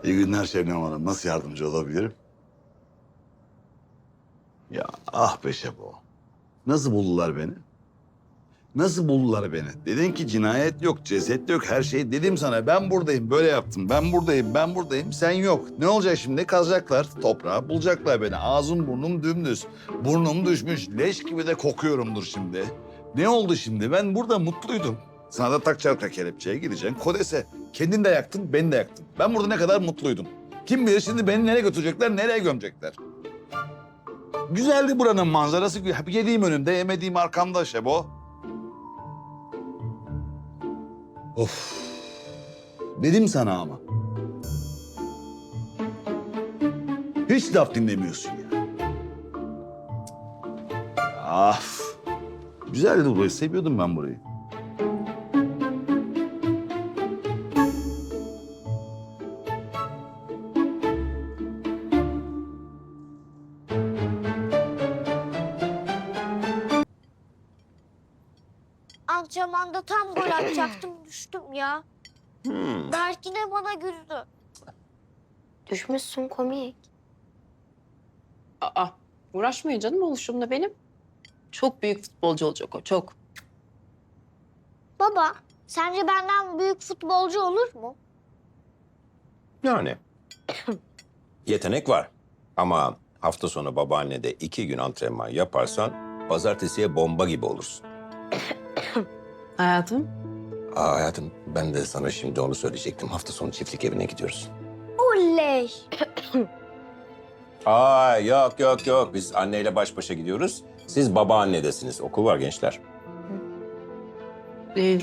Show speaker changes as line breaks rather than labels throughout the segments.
İyi günler Şebnem Hanım. Nasıl yardımcı olabilirim? Ya ah be Şebo. Nasıl buldular beni? Nasıl buldular beni? Dedin ki cinayet yok, ceset yok, her şey. Dedim sana ben buradayım, böyle yaptım. Ben buradayım, ben buradayım. Sen yok. Ne olacak şimdi? Kazacaklar toprağa, bulacaklar beni. Ağzım burnum dümdüz. Burnum düşmüş. Leş gibi de kokuyorumdur şimdi. Ne oldu şimdi? Ben burada mutluydum. Sana da takacaklar kelepçeye, gideceksin Kodes'e. Kendin de yaktın, beni de yaktın. Ben burada ne kadar mutluydum. Kim bilir şimdi beni nereye götürecekler, nereye gömecekler. Güzeldi buranın manzarası. Yediğim önümde, yemediğim arkamda Şebo. Of. Dedim sana ama. Hiç laf dinlemiyorsun ya. Af. Güzeldi burayı. Seviyordum ben burayı.
Antrenmanda tam gol atacaktım, düştüm ya. Berk yine bana güldü. Düşmüşsün komik.
Aa, uğraşmayın canım oluşumla benim. Çok büyük futbolcu olacak o, çok.
Baba, sence benden büyük futbolcu olur mu?
Yani yetenek var. Ama hafta sonu babaannede 2 gün antrenman yaparsan pazartesiye bomba gibi olursun.
Hayatım,
Hayatım ben de sana şimdi onu söyleyecektim. Hafta sonu çiftlik evine gidiyoruz.
Oley!
Yok. Biz anneyle baş başa gidiyoruz. Siz babaannedesiniz. Okul var gençler.
e,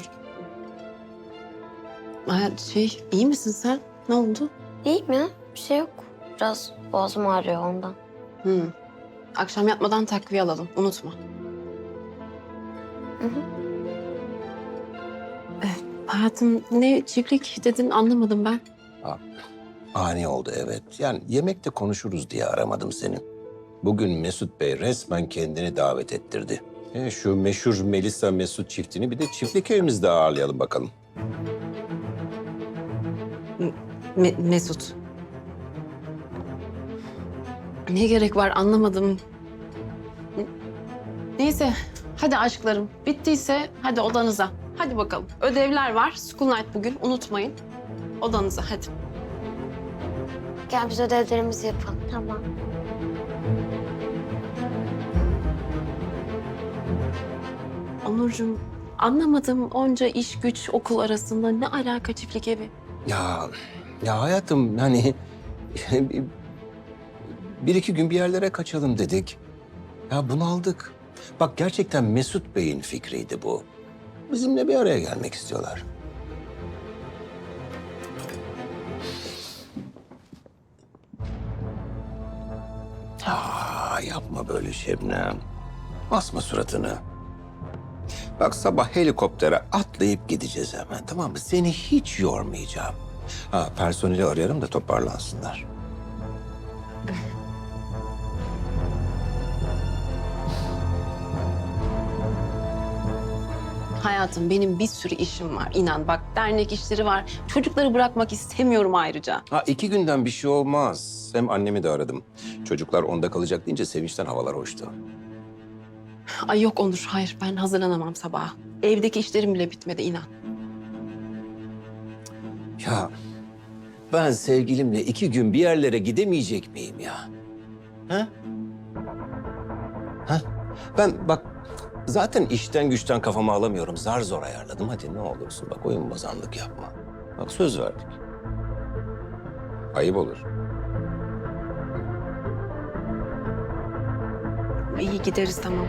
iyi misin sen? Ne oldu?
İyiyim ya, bir şey yok. Biraz boğazım ağrıyor ondan.
Akşam yatmadan takviye alalım, unutma.
Hı hı.
Hayatım, ne çiftlik dedin anlamadım ben.
Ani oldu evet. Yani yemekte konuşuruz diye aramadım seni. Bugün Mesut Bey resmen kendini davet ettirdi. Şu meşhur Melisa Mesut çiftini bir de çiftlik evimizde ağırlayalım bakalım.
Mesut. Ne gerek var anlamadım. Neyse, hadi aşklarım. Bittiyse hadi odanıza. Hadi bakalım. Ödevler var. School night bugün, unutmayın. Odanıza hadi.
Gel biz ödevlerimizi yapalım. Tamam.
Onurcuğum, anlamadım onca iş güç okul arasında ne alaka çiftlik evi?
Ya hayatım hani bir iki gün bir yerlere kaçalım dedik. Ya bunaldık. Bak gerçekten Mesut Bey'in fikriydi bu. Bizimle bir araya gelmek istiyorlar. Yapma böyle Şebnem. Asma suratını. Bak sabah helikoptere atlayıp gideceğiz hemen tamam mı? Seni hiç yormayacağım. Personeli arayalım da toparlansınlar.
Hayatım benim bir sürü işim var inan bak dernek işleri var. Çocukları bırakmak istemiyorum ayrıca.
2 günden bir şey olmaz. Hem annemi de aradım. Çocuklar onda kalacak deyince sevinçten havalar hoştu.
Ay yok Onur hayır ben hazırlanamam sabaha. Evdeki işlerim bile bitmedi inan.
Ya ben sevgilimle 2 gün bir yerlere gidemeyecek miyim ya? Ha? Ha? Ben bak zaten işten güçten kafamı alamıyorum. Zar zor ayarladım. Hadi ne olursun bak oyun bozanlık yapma. Bak söz verdik. Ayıp olur.
İyi gideriz tamam.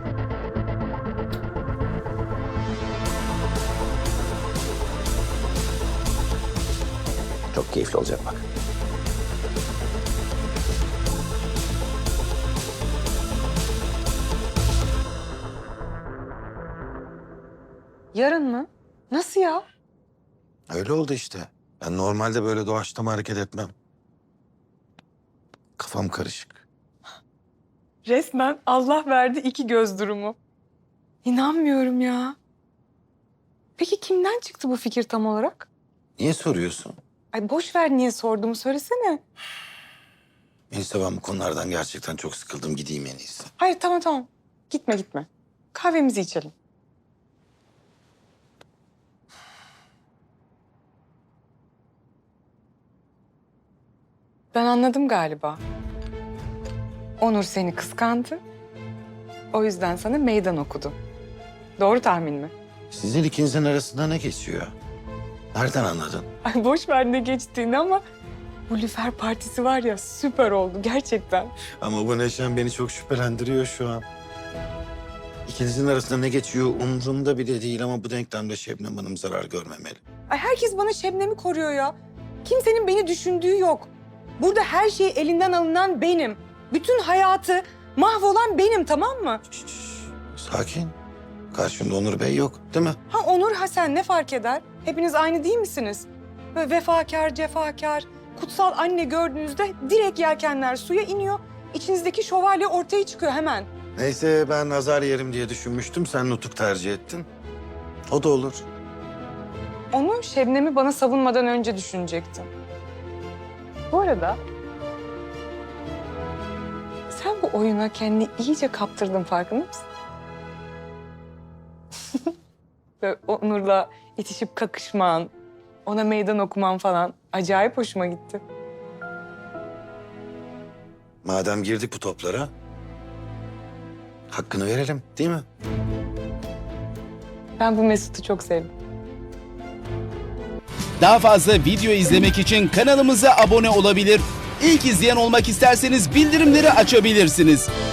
Çok keyifli olacak bak.
Yarın mı? Nasıl ya?
Öyle oldu işte. Ben normalde böyle doğaçlama hareket etmem. Kafam karışık.
Resmen Allah verdi iki göz durumu. İnanmıyorum ya. Peki kimden çıktı bu fikir tam olarak?
Niye soruyorsun?
Ay boş ver niye sorduğumu söylesene.
Neyse ben bu konulardan gerçekten çok sıkıldım. Gideyim en iyisi.
Hayır tamam. Gitme. Kahvemizi içelim. Ben anladım galiba. Onur seni kıskandı. O yüzden sana meydan okudu. Doğru tahmin mi?
Sizin ikinizin arasında ne geçiyor? Nereden anladın?
Ay boş ver ne geçtiğini ama bu Lüfer partisi var ya süper oldu gerçekten.
Ama bu Neşen beni çok şüphelendiriyor şu an. İkinizin arasında ne geçiyor umurumda bile değil ama bu denklemde Şebnem Hanım zarar görmemeli.
Ay herkes bana Şebnem'i koruyor ya. Kimsenin beni düşündüğü yok. Burada her şey elinden alınan benim. Bütün hayatı mahvolan benim, tamam mı?
Sakin. Karşımda Onur Bey yok değil mi?
Ha Onur, ha sen ne fark eder? Hepiniz aynı değil misiniz? Böyle vefakar, cefakar, kutsal anne gördüğünüzde direkt yelkenler suya iniyor. İçinizdeki şövalye ortaya çıkıyor hemen.
Neyse ben nazar yerim diye düşünmüştüm. Sen nutuk tercih ettin. O da olur.
Onu Şebnem'i bana savunmadan önce düşünecektim. Bu arada sen bu oyuna kendini iyice kaptırdın, farkında mısın? Böyle Onur'la itişip kakışman, ona meydan okuman falan acayip hoşuma gitti.
Madem girdik bu toplara, hakkını verelim değil mi?
Ben bu Mesut'u çok sevdim.
Daha fazla video izlemek için kanalımıza abone olabilir. İlk izleyen olmak isterseniz bildirimleri açabilirsiniz.